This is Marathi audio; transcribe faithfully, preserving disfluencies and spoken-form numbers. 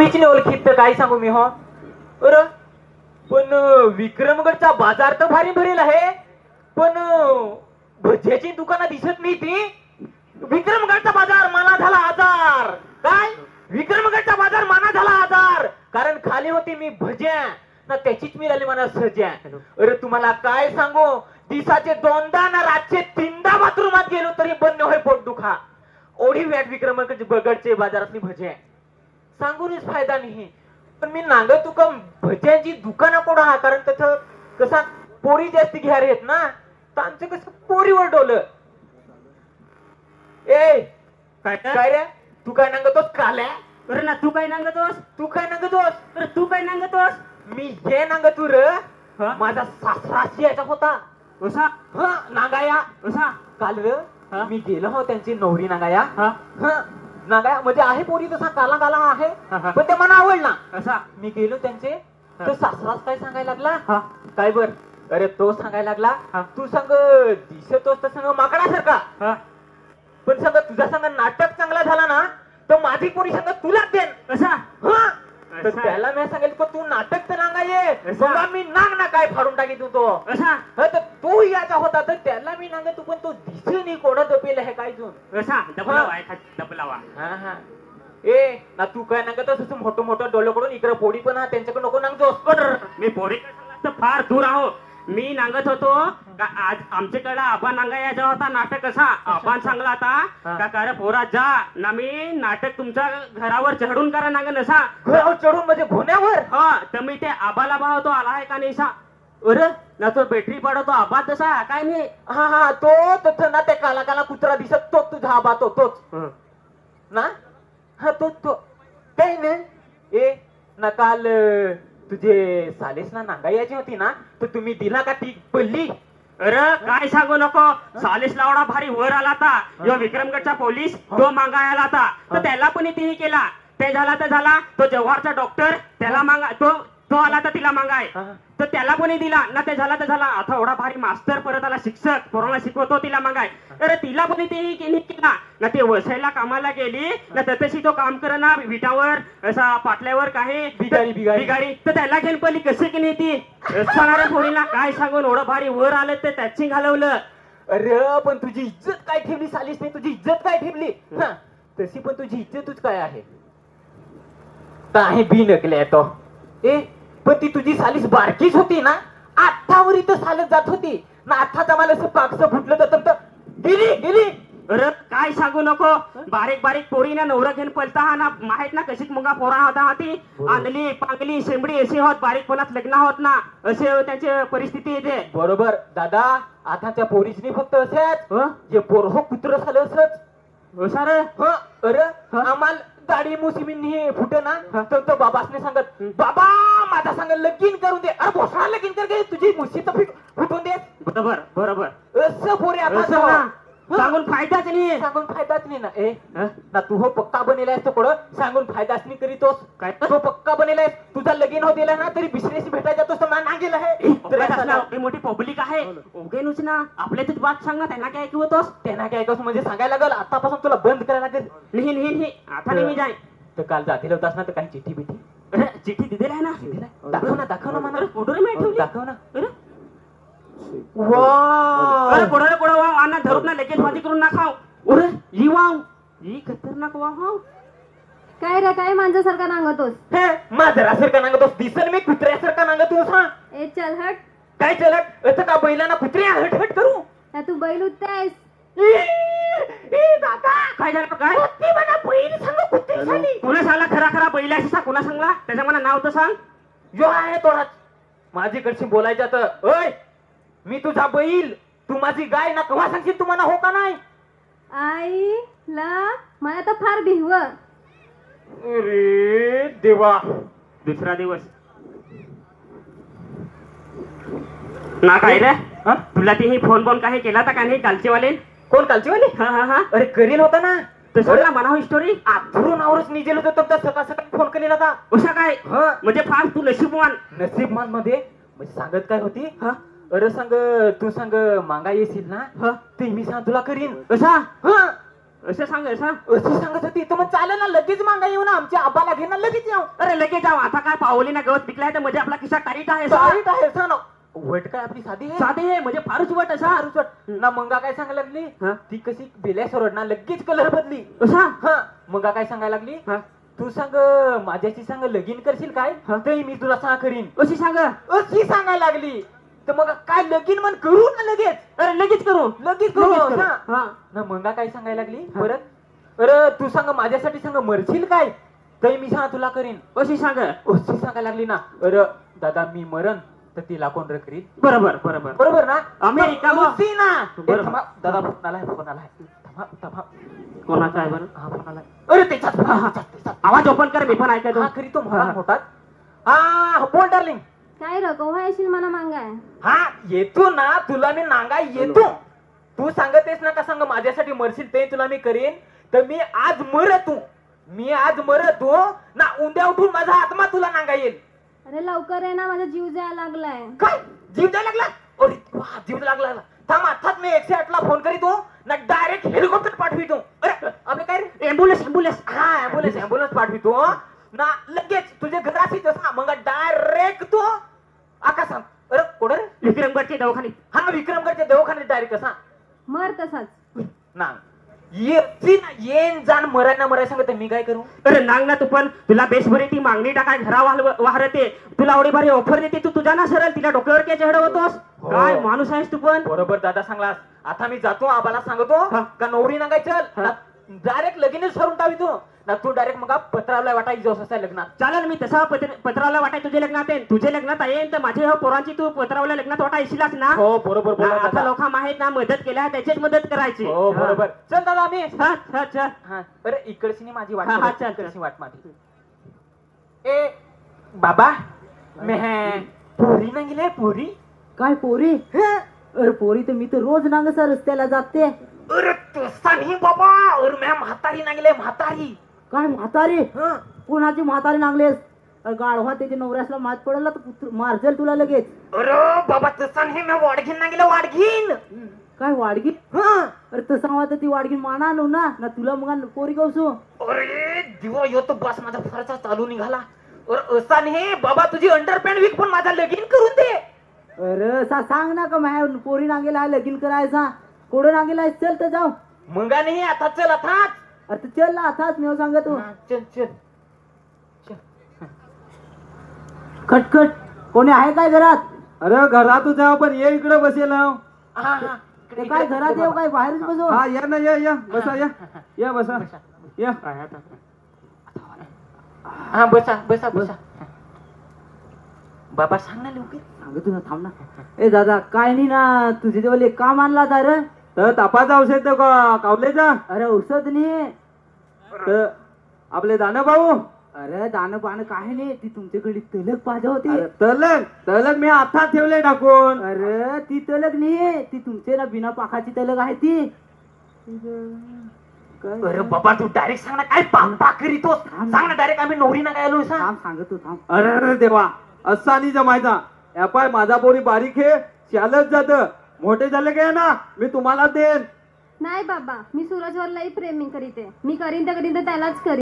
कोणीच नाही ओळखीत तर काय सांगू मी हो. अरे पण विक्रमगडचा बाजार तर भारी भरेल आहे, पण भज्याची दुकानं दिसत नाही ती. विक्रमगडचा बाजार माना झाला आजार. काय विक्रमगडचा बाजार माना झाला आजार, कारण खाली होती मी भज्या ना त्याचीच मिळाली मला सज्या. अरे तुम्हाला काय सांगू, दिसाचे दोनदा ना रातचे तीनदा बाथरूमात गेलो तरी बंद होय पोट दुखा. ओढी व्याट विक्रमगडचे बाजारातली भज्या सांगूनच फायदा नाही. पण मी नांग तुका भज्यांची दुकानं कोण हा, कारण त्याचं कसा पोरी जास्ती घ्यार आहेत ना, तर आमचं कसं पोरीवर डोलं. ए काय काय रे तू काय नांगतोस काल्या? अरे ना तू काय नांगतोस? तू काय नांगतोस? अरे तू काय नांगतोस? मी हे नांगतू र, माझा सासराशी याचा होता उसा हा नांगाया. उसा काल र मी गेलो हो त्यांची नवरी नांगाया. हा नांगाया म्हणजे आहे पोरी तसा काला काला आहे, हा, हा. पण ते मला आवडला. असा मी गेलो त्यांचे तर सासराच काय सांगायला लागला, हा काय बर अरे तो सांगायला लागला, हा. तू सांग दिसतोस तर सांग माकडासारखा, हा पण सांग तुझा सांग नाटक चांगला झाला ना तर माझी पोरी सांग तुलाच देन. असा हा तर असा. त्याला मी सांगितलं तू नाटक तर नांगाये, असा. बघा मी नांग ना काय फाडून टाकी तू तो. असा हा, तर तो याचा होता तर त्याला मी नांग तू, पण तो दिसे नाही कोणा दपेल आहे काय तू. असा डबलावा आहे डबलावा. हा हा ए ना तू काय नांगत असं मोठं मोठं डोळे कडून इकडे पोडी पण हा त्यांच्याकडे नको नांगतोस. मी पोरी तर फार दूर आहो. मी नांगत होतो का आज आमच्याकडे आबा नांगा याचा होता नाटक. असा आबान सांगला आता का करे पोरा जा ना मी नाटक तुमच्या घरावर चढून करा नांग नसा. घरावर चढून म्हणजे घोण्यावर? हा तर मी ते आबाला भावतो आला आहे का नाही सा. अरे ना तो बॅटरी पडवतो आबा तसा काय नाही. हा हा तो तसं ना ते काला काला कुत्रा दिसत तो तुझा आबा तो तोच ना. हा तो तो काही नाही. ए ना काल तुझे सालेस ना नांगा यायची होती ना, तर तुम्ही दिला का ती पल्ली? अरे काय सांगू नको, सालिस लावडा भारी वर आला आता. यो विक्रमगडचा पोलीस तो मागायला आता, तर त्याला पण तिने केला. ते झाला तर झाला, तो जव्हारचा डॉक्टर त्याला मागा तो तो आला तर तिला मागाय, तर त्याला कोणी दिला ना. ते झाला तर झाला, आता एवढा भारी मास्तर परत आला शिक्षक पोरांना शिकवतो तिला मागाय. अरे तिला पण तिने केला ना. ते वसईला कामाला गेली ना, तशी तो काम कर ना विटावर असा पाटल्यावर काही बिगारी बिगारी बिगारी, तर त्याला घेऊन पडली कशी की नाही ती असणाऱ्या पोरीला काय सांगून एवढं भारी वर आलं ते त्याची घालवलं. अरे पण तुझी इज्जत काय ठेवली सालीस नाही, तुझी इज्जत काय ठेवली हा, तशी पण तुझी इज्जतच काय आहे. काही बी नकले तो. ए पण ती तुझी सालीस बारकीच होती ना, आठावर इथं सालत जात होती ना. आठाचा मला असं पाकसं फुटलं तर गेली गेली. अरे काय सांगू नको, बारीक बारीक पोरी ना नवरा घेऊन पलता हा ना. माहित ना कशीच मुंगा पोरा होता हा. ती आंधली पांगली शेंबडी अशी होत, बारीकपणात लग्न होत ना, असे त्यांची परिस्थिती येते. बरोबर दादा, आता त्या पोरीसनी फक्त असेच जे पोरहो कुत्र झालं असच सर. अरे आम्हाला दाढी मुसिमींनी फुटे ना, तर तो बाबासने सांगत बाबा माझा सांग लगीन करून दे. अरे भोसडा लगीन कर दे, तुझी मुशी तर फुटून दे. बरोबर बरोबर असं पोरे आता सांगून फायदाच नाही, सांगून फायदाच नाही ना. ए ना तू हो पक्का बनेलाय तो कोण सांगून फायदाच नाही करीतोस काय. तो पक्का बनेलाय, तुझा लगीन हो दिला ना तरी बिसरेशी भेटायला जातोस तर ना गेला आहे. मोठी पब्लिक आहे ओगेनुच ना, आपल्या तूच बात सांग ना. त्यांना काय ऐकवतोस? त्यांना काय ऐकवस म्हणजे सांगायला लागल आतापासून तुला बंद करायला लागेल. लिही लिही लिही आता नाही जाय. तर काल जातील होतास ना, तर काही चिठ्ठी बिठी चिठ्ठी दिलेला आहे ना. दाखव ना दाखव ना मला फोटो रे ठेवली, दाखव ना. अरे कोणाला कोणा वाव आणा धरून ना लगेच माझी करून ना खाऊ. अरे ही वाव ही खतरनाक वाव. हो काय रे काय मांजरासारखा नांगतोस? हे मांजरासारखा नांगतोस दिसल मी कुत्र्यासारखा नांगतोस. हा ए चल हट. काय चलट असं का बैलांना कुत्र्या हट हट करू? ना तू बैल उठतेस. ए दादा काय झालं काय? ती मला बैल सांग कुत्रे झाली. कोणा सांगला खरा खरा बैलाशी सा कोणा सांगला त्याच्या मला नाव तर सांग. जो आहे तोच माझीकडशी बोलायचं तर. ओय मी तुझा बैल, तू माझी गाय ना. केव्हा सांगशील तू मला हो का नाही? आई ला मला तर फार भिव. अरे देवा. दुसरा दिवस ना काय रे तुला ती फोन फोन काही केला तर का नाही कालचे वाले? कोण कालची वाली? हा हा हा अरे करील होता ना तसं म्हणावं स्टोरी. आधरून आवरच निजेल होतं तर सकाळ सकाळी फोन केलेला होता. असा काय म्हणजे फार तू नशीबवान. नसीबमान मध्ये म्हणजे सांगत काय होती? अरे सांग तू सांग मागा येशील ना, ते मी सांग तुला करीन. असा असं सांग असं अशी सांगत होती तर मग चालेल ना लगेच मागा येऊ ना आमच्या आबाला घे ना लगेच येऊ अरे लगेच जाऊ आता काय पावली ना गवत पिकलाय तर म्हणजे आपला किस्सा टाईट आहे सा. टाईट आहे सांग ना वट काय आपली साधी आहे साधे आहे म्हणजे फारच वट असा फारच वट. ना मंगा काय सांगायला लागली हा? ती कशी बेल्या सोड ना लगेच कलर बदली असा हा मंगा काय सांगायला लागली हा? तू सांग माझ्याशी सांग लगीन करशील काय हा? ते मी तुला सांग करीन अशी सांग अशी सांगायला लागली तर मग काय लगीन म्हण करू ना लगेच अरे लगेच करू लगेच करू लगेच करू. हा. हा. ना मंगा काय सांगायला लागली हा. परत अरे तू सांग माझ्यासाठी सांग मरशील काय ते मी सांग तुला करीन अशी सांग अशी सांगायला लागली ना अरे दादा मी मरण तर तिला कोण रे करीन बरोबर बरोबर बरोबर ना अमेरिका मग मग. अशी ना ए, बरोबर. थांबा, दादा फोन आलाय फोन आलाय थांबा थांबा कोणाचा आहे बरं हा फोन आलाय अरे त्याच्यात हा, हा. त्याच्यात, त्याच्यात. आवाज ओपन कर मी पण ऐकतो हा खरी तो हा, मला हा. मोठात हा बोल डार्लिंग काय र कव्हा येशील मला मागाय हा येतो ना तुला मी नांगा येतो तू सांगतेस ना का सांग माझ्यासाठी मरशील ते तुला मी करीन तर मी आज मरतो मी आज मरतो ना उद्या उठून माझा आत्मा तुला नांगा येईल अरे लवकर आहे ना माझा जीव जायला लागलाय काय जीव द्यायला लागला अरे वा जीव लागला थांब अर्थात मी एकशे आठ ला फोन करीतो ना डायरेक्ट हेलिकॉप्टर पाठवितो अरे आपले काय रे एम्ब्युलन्स एम्ब्युलन्स हा ऍम्ब्युलन्स ऍम्ब्युलन्स पाठवितो ना लगेच तुझ्या घराशी जसा मग डायरेक्ट तो आकाशात अरे कोण रे विक्रमगडचे दवाखाने हा विक्रमगडच्या दवाखान्यात डायरेक्ट कसा मर तसाच ना येती ना येन जाण मराय ना मराय सांगत मी काय करू अरे नांग ना तू पण तुला बेसभरी ती मागणी टाकाय घरा वाहल- वाहरते तुला एवढी भारी ऑफर देते तू तुझ्या ना सरळ तिला डोक्यावर काय चढवतोस हो. काय माणूस आहेस तू पण बरोबर दादा सांगलास आता मी जातो आबाला सांगतो हा. का नवरी नागाय चल हा. डायरेक्ट लगीनच ठरून टावितो ना तू डायरेक्ट मग पत्रावला वाटायची जोस असा लग्नात चालेल मी तसा पत्र- पत्रावला वाटाय तुझ्या लग्नात येईन तुझ्या लग्नात येईन तर माझ्या ह्या पोरांची तू पत्रावल्या लग्नात वाटा येशीलच ना हो बरोबर बोला आता दादा. लोक आहेत ना मदत केल्या त्याचीच मदत करायची हो बरोबर चल दादा आम्ही हा, हा, चल. हा अरे इकडची माझी वाट हा, हा, बघ, चल, इकडची चल. वाट माझी ए बाबा मी पोरी ना गेले पोरी काय पोरी हं? अरे पोरी तर मी तर रोज नांगसा रस्त्याला जाते अरे तसा नाही बाबा अरे म्या म्हातारी ना गेले म्हातारी काय म्हातारी हं? कोणाची म्हातारी नांगलेस अरे गाढवा त्याच्या नवऱ्यासला मात पडला तर कुत्र- मारजल तुला लगेच अरे बाबा तसा नाही म्या वाडघीन ना गेले वाडघीन काय वाडगी हं? अरे तसा हवा तर ती वाडगी माना आणू ना ना तुला मग पोरी कवसू अरे दिवा यो तो बस माझा फारसा चालू निघाला अरे असा नाही बाबा तुझी अंडरपॅन्ट विक पण माझा लगीन करून दे अरे सा सांग ना का माझ्या पोरी नांगेला आहे लगीन करायचा कोडं नांगेला आहे चल तर जाऊ मंगा नाही आता चल आता अरे तर चल ना आताच मी सांगतो चल चल खटखट कोणी आहे काय घरात अरे घरात जाऊ पण ये इकडे बसेल हा हा हा ते काय घरात येऊ काय बाहेरच बसू या ना या या बसा या या बसा या हा बसा बसा बसा बाबा सांग ना लवकर सांगतो ना थांब ना ए दादा काय नाही ना तुझे जवळ एक काम आणला होता रे तर तापाचा औषध देऊ का कावलेचा अरे औषध नाही तर आपले दाना भाऊ अरे दाणं पाणं काय नाही ती तुमच्याकडे तलक पाहिजे होती अरे, तलक तलक मी आता ठेवले टाकून अरे ती तलक नाही ती तुमचे ना बिना पाखाची तलक आहे ती काय? अरे बाबा तू डायरेक्ट सांग ना काय पापा करीतो सांग ना डायरेक्ट आम्ही नवरी ना गायलो सांग थांब सांगतो थांब अरे अरे देवा असा नाही जमायचा या पाय माझा पोरी बारीक आहे शालच जात मोठे झाले काय ना मी तुम्हाला देन नाही बाबा मी सूरजवरलाही प्रेमी करीते मी करीन तर करीन तर त्यालाच करीन